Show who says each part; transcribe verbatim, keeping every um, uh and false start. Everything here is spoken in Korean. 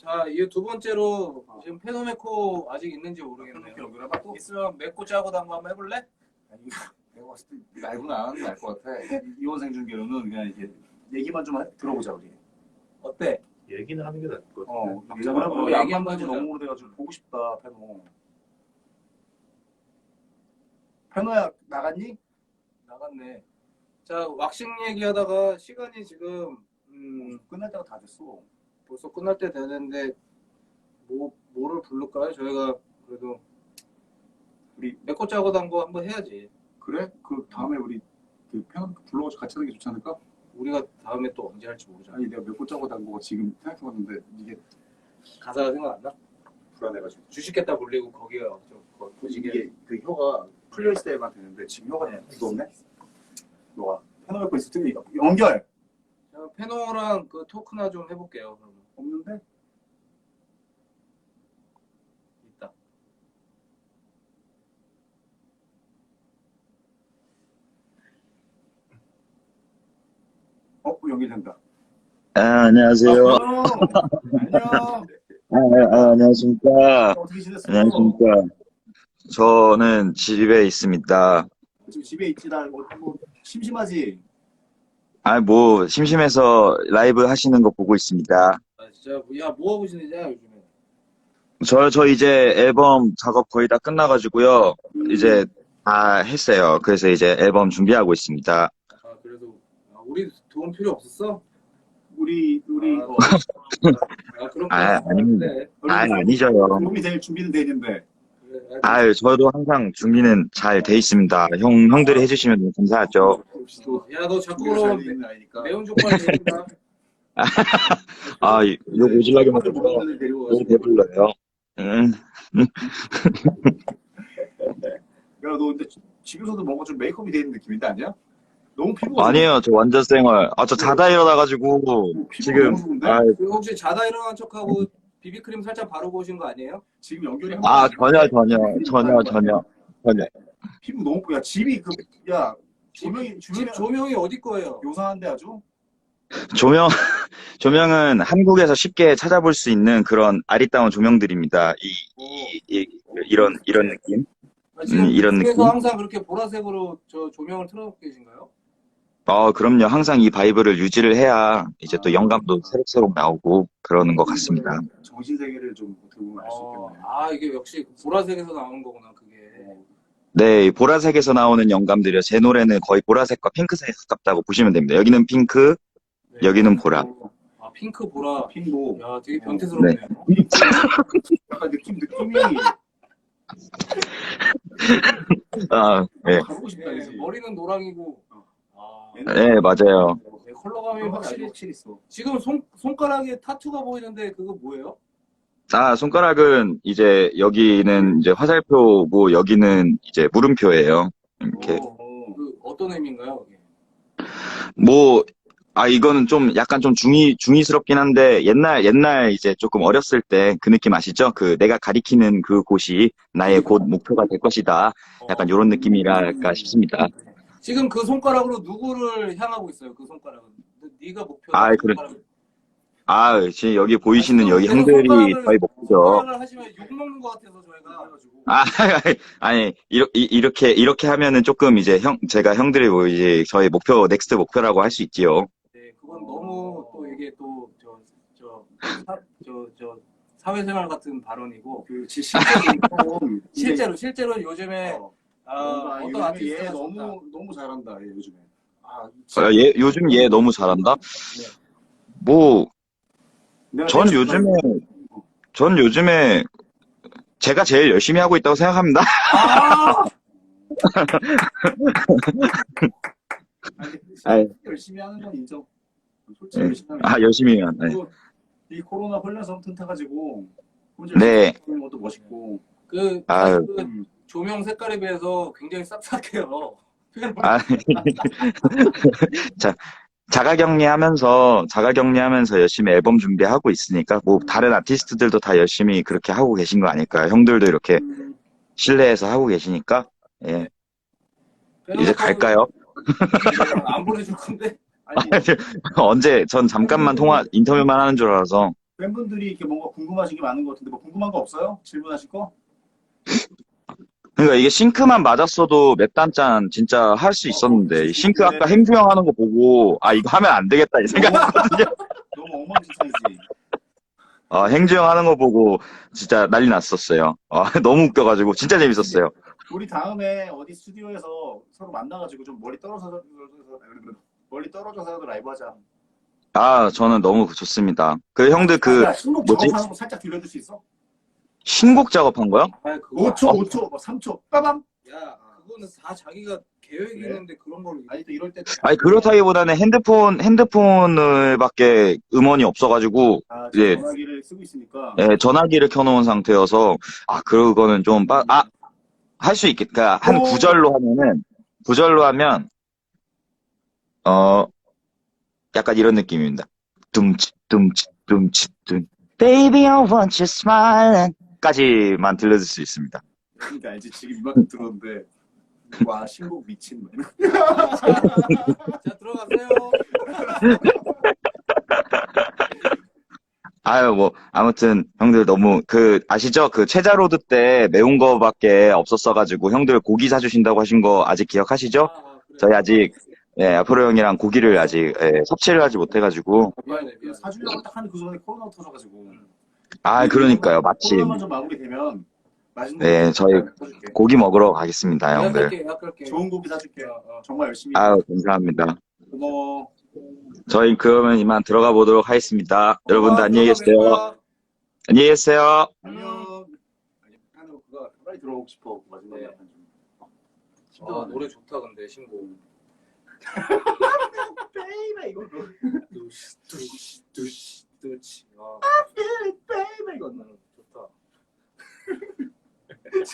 Speaker 1: 자, 이 두 번째로 지금 페노메코 아직 있는지 모르겠네요.
Speaker 2: 연결해봐 또.
Speaker 1: 있으면 맺고 짜고 당구 한번 해볼래?
Speaker 2: 아니, 내가 봤을 때 라이브는 안 하는 게 나을 것 같아. 이원 생중계로는 그냥 이렇게 얘기만 좀 하- 들어보자 우리.
Speaker 1: 어때?
Speaker 3: 얘기는 하는 게 나을 것 같아.
Speaker 2: 어,
Speaker 1: 각자가
Speaker 2: 얘기만
Speaker 1: 뭐
Speaker 2: 얘기
Speaker 1: 얘기 한번
Speaker 2: 한번
Speaker 1: 해보자.
Speaker 2: 너무 오래돼가지고 보고 싶다 페노. 페노야 나갔니?
Speaker 1: 나갔네. 자, 왁싱 얘기하다가 시간이 지금 음,
Speaker 2: 끝날 때가 다 됐어.
Speaker 1: 벌써 끝날 때 되는데 뭐 뭐를 부를까요? 저희가 그래도
Speaker 2: 우리
Speaker 1: 맺고 짜고 당구 한번 해야지.
Speaker 2: 그래? 그 다음에 우리 그 페노 불러가지고 같이 하는 게 좋지 않을까?
Speaker 1: 우리가 다음에 또 언제 할지 모르잖아.
Speaker 2: 아니 내가 몇 번 짜고 단거가 지금 생각해봤는데 이게
Speaker 1: 가사가 생각 안 나?
Speaker 2: 불안해가지고.
Speaker 1: 주식했다 불리고 거기가 좀 거- 거시기에
Speaker 2: 이게 그 혀가 풀려있을 때만 되는데 지금 혀가 굳었네? 너가 페노 갖고 있을 때 연결!
Speaker 1: 자, 페노랑 그 토크나 좀 해볼게요. 그러면
Speaker 2: 없는데?
Speaker 1: 있다.
Speaker 2: 어? 연결된다.
Speaker 4: 아, 안녕하세요.
Speaker 2: 아, 안녕.
Speaker 4: 아, 아, 안녕하십니까.
Speaker 2: 어떻게 지냈어?
Speaker 4: 안녕하십니까. 저는 집에 있습니다.
Speaker 2: 지금 집에 있지 나 뭐, 뭐 심심하지?
Speaker 4: 아, 뭐, 심심해서 라이브 하시는 거 보고 있습니다.
Speaker 1: 아 진짜 야 뭐 하고 지내냐 요즘에?
Speaker 4: 저, 저 이제 앨범 작업 거의 다 끝나가지고요.
Speaker 2: 음,
Speaker 4: 이제 다 했어요. 그래서 이제 앨범 준비하고 있습니다.
Speaker 1: 아 그래도 아, 우리 도움 필요 없었어?
Speaker 2: 우리 우리
Speaker 1: 아,
Speaker 2: 어,
Speaker 1: 아 그런
Speaker 4: 아, 아닙니다. 아, 아니죠.
Speaker 2: 도움이 될 준비는 돼 있는데
Speaker 1: 그래,
Speaker 4: 아유, 저도 항상 준비는 잘 돼 있습니다. 형, 형들이 해주시면 너무 감사하죠.
Speaker 1: 야너 자꾸
Speaker 2: 준비가
Speaker 1: 그러면
Speaker 2: 잘 돼 있는 아이니까.
Speaker 1: 매운 족발 되니까.
Speaker 4: 아, 욕 오질라게
Speaker 2: 다들
Speaker 4: 먹어서
Speaker 2: 모르는 애들 데리고
Speaker 4: 너무
Speaker 2: 가지고.
Speaker 4: 배불러요. 음.
Speaker 2: 야, 너 근데 집에서도 뭔가 좀 메이크업이 돼 있는 느낌인데 아니야? 너무 피부가
Speaker 4: 아니에요, 저 완전 쌩얼. 아, 저 자다 일어나가지고,
Speaker 2: 너무, 피부가
Speaker 4: 지금,
Speaker 2: 너무 좋은데?
Speaker 4: 아,
Speaker 1: 그 혹시 자다 일어난 척하고 비비크림 살짝 바르고 오신 거 아니에요?
Speaker 2: 지금 연결이 한
Speaker 4: 아,
Speaker 2: 번
Speaker 4: 전혀, 전혀, 전혀, 전혀, 전혀.
Speaker 2: 피부 너무 야 집이 그야 조명이
Speaker 1: 집
Speaker 2: 조명이
Speaker 1: 조명이 어디 거예요?
Speaker 2: 요상한데 아주
Speaker 4: 조명, 조명은 한국에서 쉽게 찾아볼 수 있는 그런 아리따운 조명들입니다. 이, 이, 이, 이런, 이런 느낌?
Speaker 1: 아, 지금
Speaker 4: 음, 이런
Speaker 1: 집에서
Speaker 4: 느낌?
Speaker 1: 항상 그렇게 보라색으로 저 조명을 틀어놓고 계신가요?
Speaker 4: 어, 그럼요. 항상 이 바이브를 유지를 해야 이제 또 영감도 새록새록 나오고 그러는 것 같습니다.
Speaker 2: 정신 세계를 좀 어떻게 보면 알 수
Speaker 1: 어,
Speaker 2: 있겠네.
Speaker 1: 아 이게 역시 보라색에서 나오는 거구나 그게.
Speaker 2: 어,
Speaker 4: 네, 이 보라색에서 나오는 영감들이요. 제 노래는 거의 보라색과 핑크색에 가깝다고 보시면 됩니다. 여기는 핑크,
Speaker 1: 네.
Speaker 4: 여기는 보라.
Speaker 1: 아 핑크 보라.
Speaker 2: 핑보
Speaker 1: 야 되게 변태스럽네요.
Speaker 2: 약간 느낌 느낌이
Speaker 4: 아, 네.
Speaker 2: 가보고 싶다
Speaker 1: 네,
Speaker 2: 그지?
Speaker 1: 머리는 노랑이고. 아,
Speaker 4: 네, 맞아요.
Speaker 1: 네, 컬러감이 확실히.
Speaker 2: 확실히 확실히 있어.
Speaker 1: 지금 손 손가락에 타투가 보이는데 그거 뭐예요?
Speaker 4: 아, 손가락은 이제 여기는 이제 화살표고 여기는 이제 물음표예요. 이렇게.
Speaker 1: 어, 그 어떤 의미인가요? 그게?
Speaker 4: 뭐, 아, 이거는 좀 약간 좀 중의, 중의스럽긴 한데 옛날, 옛날 이제 조금 어렸을 때 그 느낌 아시죠? 그 내가 가리키는 그 곳이 나의 곧 목표가 될 것이다. 약간
Speaker 1: 어,
Speaker 4: 이런 느낌이랄까 싶습니다.
Speaker 1: 지금 그 손가락으로 누구를 향하고 있어요? 그 손가락은. 네가 목표다.
Speaker 4: 아, 그래.
Speaker 1: 손가락은.
Speaker 4: 아, 지금 여기 보이시는
Speaker 1: 아,
Speaker 4: 여기
Speaker 1: 지금
Speaker 4: 형들이
Speaker 1: 손가락을-
Speaker 4: 저희 목표죠.
Speaker 1: 손가락을 하시면 욕 먹는 것 같아서 저희가.
Speaker 4: 아, 아니, 이러- 이- 이렇게, 이렇게 하면은 조금 이제 형, 제가 형들이 뭐 이제 저희 목표, 넥스트 목표라고 할 수 있지요.
Speaker 1: 네, 그건 너무 또 이게 또 저 저 저 저 사회생활 같은 발언이고
Speaker 2: 그 지- 실제로 좀
Speaker 1: 실제로 실제로 요즘에
Speaker 2: 어,
Speaker 1: 아,
Speaker 2: 뭔가
Speaker 1: 어떤
Speaker 2: 요즘에 얘
Speaker 1: 아티스트가
Speaker 2: 너무
Speaker 1: 좋다.
Speaker 2: 너무 잘한다 얘 요즘에. 아,
Speaker 4: 아, 얘, 요즘 얘 너무 잘한다?
Speaker 1: 네.
Speaker 4: 뭐,
Speaker 2: 내가
Speaker 4: 전
Speaker 2: 내가
Speaker 4: 요즘에,
Speaker 2: 생각하는-
Speaker 4: 전 요즘에 제가 제일 열심히 하고 있다고 생각합니다.
Speaker 1: 아!
Speaker 2: 아니,
Speaker 4: 아이.
Speaker 2: 열심히 하는 건 인정. 솔직히
Speaker 4: 네.
Speaker 2: 열심히 하는
Speaker 4: 아, 열심히 해요. 네.
Speaker 2: 그리고 이 코로나 혼란성 튼타가지고 혼자
Speaker 4: 네.
Speaker 2: 열심히 하는 것도 멋있고.
Speaker 1: 그,
Speaker 4: 아유.
Speaker 1: 사실 그
Speaker 2: 음.
Speaker 1: 조명 색깔에 비해서 굉장히 싹싹해요.
Speaker 4: 아, 자, 자가격리 하면서, 자가격리 하면서 열심히 앨범 준비하고 있으니까, 뭐, 다른 아티스트들도 다 열심히 그렇게 하고 계신 거 아닐까요? 형들도 이렇게
Speaker 2: 음,
Speaker 4: 실내에서 하고 계시니까, 예. 이제 갈까요?
Speaker 1: 안 보내줄 건데.
Speaker 2: 아니
Speaker 4: 언제, 전 잠깐만 통화, 인터뷰만 하는 줄 알아서,
Speaker 2: 팬분들이 이렇게 뭔가 궁금하신 게 많은 것 같은데 뭐 궁금한 거 없어요? 질문하실 거?
Speaker 4: 그러니까 이게 싱크만 맞았어도 몇 단짠 진짜 할 수 있었는데 이 싱크 아까 행주 형 하는 거 보고 아 이거 하면 안 되겠다 이 생각했거든요.
Speaker 2: 너무 엉망진창이지.
Speaker 4: 아, 행주 형 하는 거 보고 진짜 난리 났었어요. 아, 너무 웃겨가지고 진짜 재밌었어요.
Speaker 2: 우리 다음에 어디 스튜디오에서 서로 만나가지고 좀 멀리 떨어져서 멀리 떨어져서라도 라이브 하자.
Speaker 4: 아, 저는 너무 좋습니다. 그 형들 그
Speaker 2: 야, 신곡
Speaker 4: 뭐지?
Speaker 2: 작업하는 거 살짝 들려줄 수 있어?
Speaker 4: 신곡 작업한 거요?
Speaker 1: 아 그거
Speaker 2: 오 초,
Speaker 4: 어.
Speaker 2: 오 초, 뭐 삼 초, 빠밤.
Speaker 1: 야 그거는 다 자기가 계획이
Speaker 2: 그래?
Speaker 1: 있는데 그런 걸
Speaker 2: 아니 또 이럴 때.
Speaker 4: 아니 그렇다기보다는 핸드폰 핸드폰을밖에 음원이 없어가지고
Speaker 2: 아,
Speaker 4: 예.
Speaker 2: 전화기를 쓰고 있으니까.
Speaker 4: 예, 전화기를 켜놓은 상태여서 아 그거는 좀 아 할 수 있겠. 그러니까 한
Speaker 2: 오.
Speaker 4: 구절로 하면은 구절로 하면 어 약간 이런 느낌입니다. 둠치 둠치 둠치 둠 Baby I want you smiling 까지만 들려줄 수 있습니다.
Speaker 2: 그러니까 알지 지금 이만큼 들었는데 와 신곡 미친.
Speaker 1: 자 들어가세요.
Speaker 4: 아유 뭐 아무튼 형들 너무 그 아시죠? 그 최자로드 때 매운 거밖에 없었어가지고 형들 고기 사주신다고 하신 거 아직 기억하시죠?
Speaker 1: 아, 아, 그래.
Speaker 4: 저희 아직 예, 앞으로 형이랑 고기를 아직 예, 섭취를 하지 못해가지고
Speaker 1: 미안해 미안해.
Speaker 2: 사주려고 딱 하는 그 순간에 코로나 터져가지고.
Speaker 4: 아 그러니까요 마침
Speaker 2: 코로나만 좀 마무리되면 맛있는
Speaker 4: 네,
Speaker 2: 거
Speaker 4: 저희
Speaker 2: 사줄게.
Speaker 4: 고기 먹으러 가겠습니다 형들.
Speaker 1: 예약할게 예약할게.
Speaker 2: 좋은 고기 사줄게.
Speaker 1: 어, 어.
Speaker 2: 정말 열심히.
Speaker 4: 아유 감사합니다.
Speaker 2: 고마워.
Speaker 4: 저희 그러면 이만 들어가 보도록 하겠습니다. 여러분들
Speaker 1: 어,
Speaker 4: 안녕히 계세요.
Speaker 1: 들어가겠습니다.
Speaker 4: 안녕히 계세요.
Speaker 2: 안녕. 아니, 하는 그거 빨리 들어보고 싶어. 마지막에
Speaker 1: 네.
Speaker 2: 약간 좀.
Speaker 1: 아 노래 좋다 근데 신곡.
Speaker 2: 베이베 이거.
Speaker 1: 두시 두시 두시 두시. 아.
Speaker 2: 베이베.